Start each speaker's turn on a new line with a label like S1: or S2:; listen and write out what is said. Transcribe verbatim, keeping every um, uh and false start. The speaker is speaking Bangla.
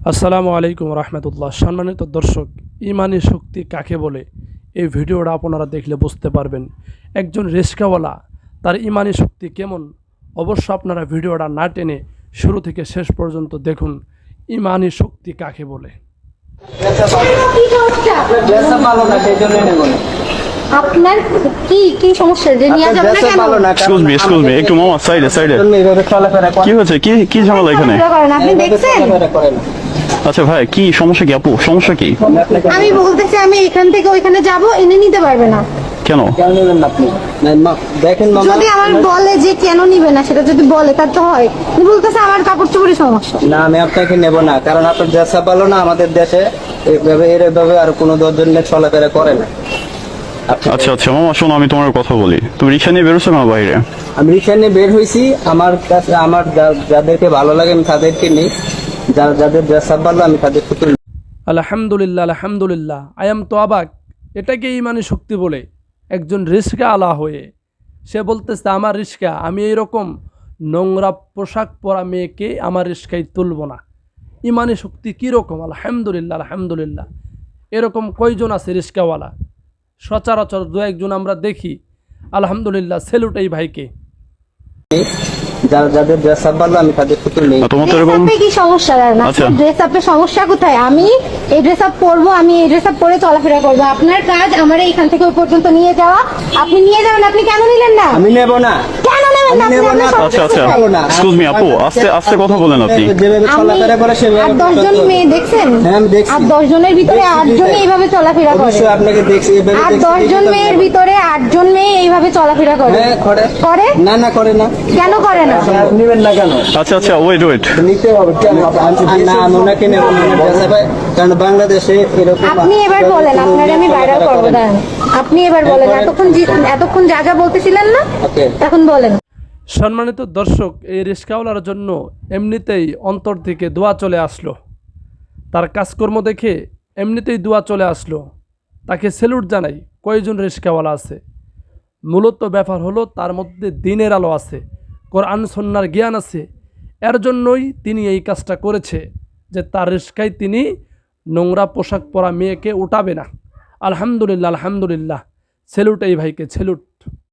S1: আসসালামু আলাইকুম রহমতুল্লাহ। সম্মানিত দর্শক, ইমানি শক্তি কাকে বলে এই ভিডিওটা আপনারা দেখলে বুঝতে পারবেন একজন রিস্কাওয়ালা তার ইমানি শক্তি কেমন। অবশ্য আপনারা ভিডিওটা না টেনে শুরু থেকে শেষ পর্যন্ত দেখুন ইমানি শক্তি কাকে বলে।
S2: আপনার কি কি সমস্যা যে নিয়ে যাবেন না কেন?
S3: এক্সকিউজ মি এক্সকিউজ মি একটু মামা সাইডে সাইডে কি হচ্ছে? কি কি ঝামেলা এখানে?
S2: আপনি দেখছেন?
S3: আচ্ছা ভাই, কি সমস্যা? কি আপু সমস্যা কি?
S2: আমি বলতেছি আমি এখান থেকে ওইখানে যাব, এনে নিতে পারবে না
S3: কেন?
S4: কেন নেবেন না আপনি? দেখেন মামা,
S2: যদি আমার বলে যে কেন নিবে না, সেটা যদি বলে তার তো হয়। উনি বলতেছে আমার কাপড় চোপড়ের সমস্যা।
S4: না আমি আপনাকে নেব না, কারণ আপনার দেশে ভালো না। আমাদের দেশে এইভাবে এরভাবে আর কোনো দশজন নিয়ে চলাফেরা করে না।
S3: আচ্ছা আচ্ছা মামা শোনো, আমি তোমার কথা বলি। তুমি রিক্সা নিয়ে বেরোছো না বাইরে?
S4: আমি রিক্সা নিয়ে বের হয়েছি। আমার কাছে আমার যা- যাদেরকে ভালো লাগে আমি তাদেরকে নিই, যা- যাদের দেশে ভালো আমি তাদেরকে তুলি।
S1: আলহামদুলিল্লাহ আলহামদুলিল্লাহ, আই এম তো অবাক। এটাকে ইমানি শক্তি বলে। একজন রিস্কা আলা হয়ে সে বলতেছে আমার রিস্কা, আমি এইরকম নোংরা পোশাক পরা মেয়েকে আমার রিস্কায় তুলব না। ইমানি শক্তি কীরকম? আলহামদুলিল্লাহ আলহামদুলিল্লাহ। এরকম কয়জন আছে রিস্কাওয়ালা? সচরাচর দু একজন আমরা দেখি। আলহামদুলিল্লাহ, সেলুট এই ভাইকে।
S4: যারা যাদের দেশে ভালো আমি তাদেরকে তুলি।
S3: আর তোমার তো
S2: ড্রেস
S3: এরকম
S2: আপে কি সমস্যা? না
S3: আচ্ছা।
S2: ড্রেস আপের সমস্যা কোথায়? আমি এই ড্রেস আপ পরবো, আমি এই ড্রেস আপ পরে চলাফেরা করবো। আপনার কাজ আমার এইখান থেকে ওই পর্যন্ত নিয়ে যাওয়া। আপনি নিয়ে যাবেন, আপনি কেন নিলেন না?
S4: আমি নেব না।
S2: কেন নেবেন না?
S4: আমি নেব
S2: আপনি
S4: না।
S2: আপনার
S3: আচ্ছা আচ্ছা
S4: ভালো না।
S3: এক্সকিউজ মি আপু, আস্তে আস্তে কথা বলেন আপনি।
S4: যেভাবে
S2: আমি
S4: চলাফেরা করে সেভাবে
S2: আর দশজন মেয়ে দেখছেন?
S4: হ্যাঁ, আমি দেখছি।
S2: আর দশ জনের ভিতরে
S4: দেখছি,
S2: আটজনই
S4: দেখছি।
S2: এইভাবে চলাফেরা করে।
S4: অবশ্যই আপনাকে দেখছি, এভাবে
S2: আর
S4: দেখছি,
S2: দশজন
S4: দেখি তো
S2: মেয়ের
S4: আমি-
S2: ভিতরে আটজন মেয়ে এইভাবে চলাফেরা করে।
S4: হ্যাঁ, করে।
S2: করে?
S4: না না করে না।
S2: কেন করে না?
S4: নেবেন না কেন?
S3: আচ্ছা আচ্ছা ওয়েট ওয়েট
S4: নিতে হবে কেন? আর না আমি ওনাকে নেব না, ওনার দেশে ভাই, কারণ বাংলাদেশে এরকম
S2: আপনি এবার বলেন, আপনার আমি ভাইরাল করবো। দাঁড়ান, আপনি এবার বলেন। এতক্ষণ জি- এতক্ষণ যা যা বলতেছিলেন না,
S4: ওকে।
S2: এখন বলেন।
S1: সম্মানিত দর্শক, এই রিস্কাওয়ালার জন্য এমনিতেই অন্তর থেকে দোয়া চলে আসলো। তার কাজকর্ম দেখে এমনিতেই দোয়া চলে আসলো। তাকে সেলুট জানাই। কয়জন রিস্কাওয়ালা আছে? মূলত ব্যাপার হলো তার মধ্যে দিনের আলো আছে, কোরআন সুন্নাহর জ্ঞান আছে। এর জন্যই তিনি এই কাজটা করেছে যে তার রিস্কায় তিনি নোংরা পোশাক পরা মেয়েকে উঠাবে না। আলহামদুলিল্লাহ আলহামদুলিল্লাহ, সেলুট এই ভাইকে, সেলুট।